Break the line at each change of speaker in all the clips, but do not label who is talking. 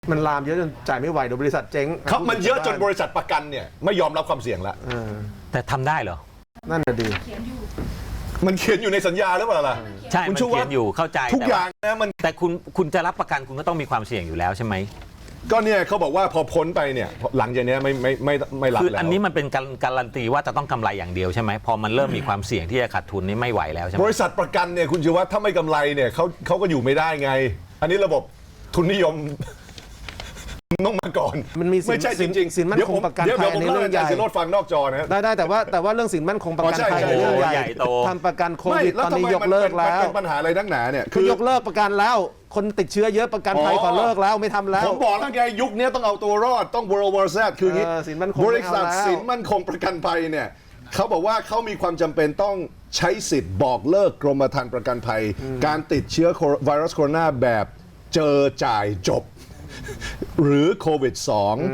มันลามเยอะจนจ่ายไม่ไหวโดยบริษัทเจ๊ง
ครับมันเยอะจนบริษัทประกันเนี่ยไม่ยอมรับความเสี่ยงแล้ว
แต่ทำได้เหรอ
นั่นน่ะดี
มันเขียนอยู่ในสัญญาหรือเปล่าล่ะ
ใช่มันเขียนอยู่เข้าใจ
ทุกอย่างนะมัน
แต่คุณจะรับประกันคุณก็ต้องมีความเสี่ยงอยู่แล้วใช่ไหม
ก็เนี่ยเขาบอกว่าพอพ้นไปเนี่ยหลังจากนี้ไม่รับแล้ว
คืออันนี้มันเป็นการันตีว่าจะต้องกำไรอย่างเดียวใช่ไหมพอมันเริ่มมีความเสี่ยงที่จะขาดทุนนี่ไม่ไหวแล้วใช่ไหม
บริษัทประกันเนี่ยคุณชีวัฒน์ถ้าไม่กำไรเนี่ยเขาก็อยู่ไม่ได้ไงอันนี้ระบบทุนนิยมต้องมาก่อน
มันมี
ไม่ใช่จริงๆ
สินมั่นคงประกันภัยในเรื่องใหญ่
สินรถฟังนอกจอนะ
ได้แต่ว่าเรื่องสินมั่นคงประกันภัยในเรื่องใหญ่ทำประกันโควิดตอนนี้ยกเลิกแล้ว
เป็นปัญหาอะไรนักหนาเนี่ย
คือยกเลิกประกันแล้วคนติดเชื้อเยอะประกันภัยขอเลิกแล้วไม่ทำแล้ว
ผมบอกแล้วไงยุคนี้ต้องเอาตัวรอดต้อง World War Z คืออย่างนี้บริษัทสินมั่นคงประกันภัยเนี่ยเขาบอกว่าเขามีความจำเป็นต้องใช้สิทธิ์บอกเลิกกรมธรรม์ประกันภัยการติดเชื้อไวรัสโคโรนาแบบเจอจ่ายจบหรือโควิด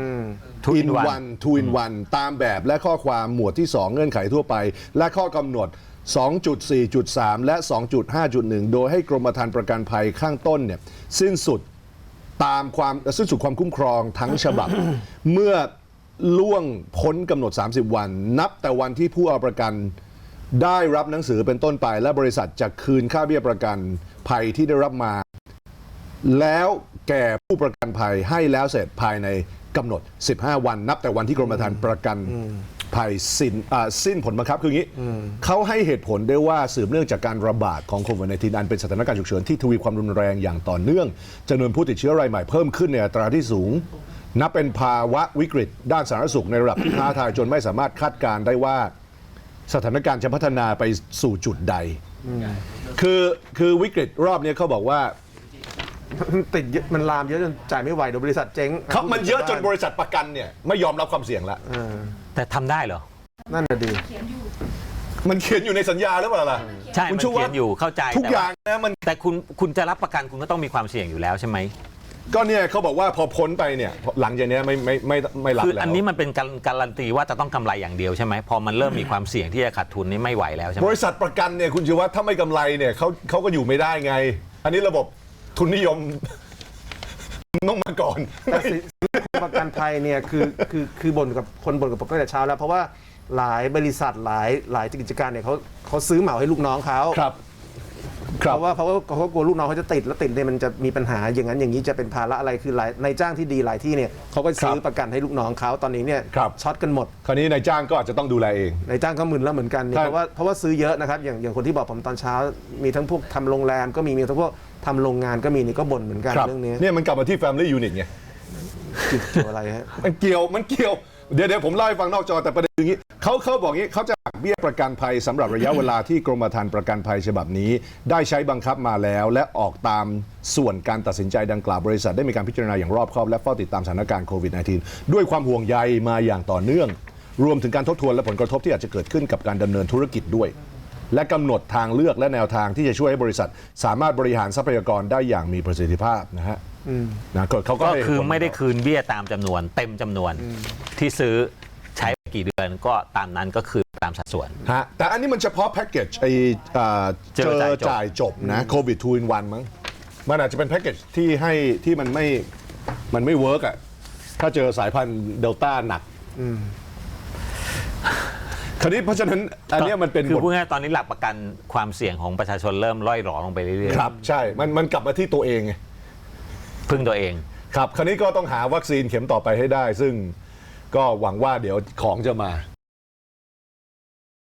2 in one two in one ตามแบบและข้อความหมวดที่ 2 เงื่อนไขทั่วไปและข้อกำหนด 2.4.3 และ 2.5.1 โดยให้กรมธรรม์ประกันภัยข้างต้นเนี่ยสิ้นสุดความคุ้มครองทั้งฉบับ เมื่อล่วงพ้นกำหนด 30 วันนับแต่วันที่ผู้เอาประกันได้รับหนังสือเป็นต้นไปและบริษัทจะคืนค่าเบี้ยประกันภัยที่ได้รับมาแล้วแก่ผู้ประกันภัยให้แล้วเสร็จภายในกำหนด15 วันนับแต่วันที่กรมธรรม์ประกันภัยสิ้นผลบังคับคืออย่างนี้เขาให้เหตุผลได้ว่าสืบเนื่องจากการระบาดของโควิด -19 อันเป็นสถานการณ์ฉุกเฉินที่ทวีความรุนแรงอย่างต่อเนื่องจำนวนผู้ติดเชื้อรายใหม่เพิ่มขึ้นในอัตราที่สูงนับเป็นภาวะวิกฤตด้านสาธารณสุขในระดับที่ท้าทายจนไม่สามารถคาดการณ์ได้ว่าสถานการณ์จะพัฒนาไปสู่จุดใดคือวิกฤตรอบนี้เขาบอกว่า
ติดมันลามเยอะจนจ่ายไม่ไหวโดยบริษัทเจ๊ง
ครับมันเยอะจนบริษัทประกันเนี่ยไม่ยอมรับความเสี่ยงแล้ว
แต่ทำได้เหรอ
นั่นน่ะดี
มันเขียนอยู่ในสัญญาหรือเปล่าล่ะ
ใช่มันเขียนอยู่เข้าใจ
ทุกอย่างนะมัน
แต่คุณจะรับประกันคุณก็ต้องมีความเสี่ยงอยู่แล้วใช่ไหม
ก็เนี่ยเขาบอกว่าพอพ้นไปเนี่ยหลังจากนี้ไม่รับแล้ว
คืออันนี้มันเป็นการันตีว่าจะต้องกำไรอย่างเดียวใช่ไหมพอมันเริ่มมีความเสี่ยงที่จะขาดทุนนี่ไม่ไหวแล้วใช่ไหม
บริษัทประกันเนี่ยคุณชีวัฒน์ถ้าไม่กำไรเนี่ยเขาก็อยู่ไม่ได้ไงอันนี้ระบบทุนนิยมต้องมาก่อน
แต่สินประกันภัยเนี่ยคือบ่นกับผมตั้งแต่เช้าแล้วเพราะว่าหลายบริษัทหลายกิจการเนี่ยเขาซื้อเหมาให้ลูกน้องเขาเพราะว่าเขากลัวลูกน้องเขาจะติดแล้วติดเนี่ยมันจะมีปัญหาอย่างนั้นอย่างนี้จะเป็นภาระอะไรคือหลายนายจ้างที่ดีหลายที่เนี่ยเขาก็ซื้อประกันให้ลูกน้องเขาตอนนี้เนี่ยช็อตกันหมด
คราวนี้นายจ้างก็อาจจะต้องดูแลเอง
นายจ้างก็มึนแล้วเหมือนกันเพราะว่าซื้อเยอะนะครับอย่างคนที่บอกผมตอนเช้ามีทั้งพวกทำโรงแรมก็มีทั้งพวกทำโรงงานก็มีนี่ก็บ่นเหมือนกันเรื่องนี้
เนี่ยมันกลับมาที่ Family Unit ไง
เกี่ยวอะไรฮะ
มันเกี่ยวเดี๋ยวผมเล่าให้ฟังนอกจอแต่ประเด็นอย่างนี้เขาบอกงี้เขาจะหักเบี้ยประกันภัยสำหรับระยะเวลาที่กรมธรรม์ประกันภัยฉบับนี้ได้ใช้บังคับมาแล้วและออกตามส่วนการตัดสินใจดังกล่าวบริษัทได้มีการพิจารณาอย่างรอบคอบและเฝ้าติดตามสถานการณ์โควิด -19 ด้วยความห่วงใยมาอย่างต่อเนื่องรวมถึงการทบทวนและผลกระทบที่อาจจะเกิดขึ้นกับการดำเนินธุรกิจด้วยและกำหนดทางเลือกและแนวทางที่จะช่วยให้บริษัทสามารถบริหารทรัพยากรได้อย่างมีประสิทธิภาพนะฮะ
เขาก็คือไม่ได้คืนเบี้ยตามจำนวนเต็มจำนวนที่ซื้อใช้กี่เดือนก็ตามนั้นก็คือตามสัดส่วน
ฮะแต่อันนี้มันเฉพาะแพ็กเกจเจอจ่ายจบนะโควิด2 in 1มั้งมันอาจจะเป็นแพ็กเกจที่มันไม่เวิร์กอ่ะถ้าเจอสายพันธุ์เดลต้าหนักคราวนี้เพราะฉะนั้นอันนี้มันเป็น
คือพูดง่ายๆตอนนี้หลักประกันความเสี่ยงของประชาชนเริ่มล่อยหลอลงไปเรื่อย
ๆครับใช่มันกลับมาที่ตัวเองไง
พึ่งตัวเอง
ครับคราวนี้ก็ต้องหาวัคซีนเข็มต่อไปให้ได้ซึ่งก็หวังว่าเดี๋ยวของจะมา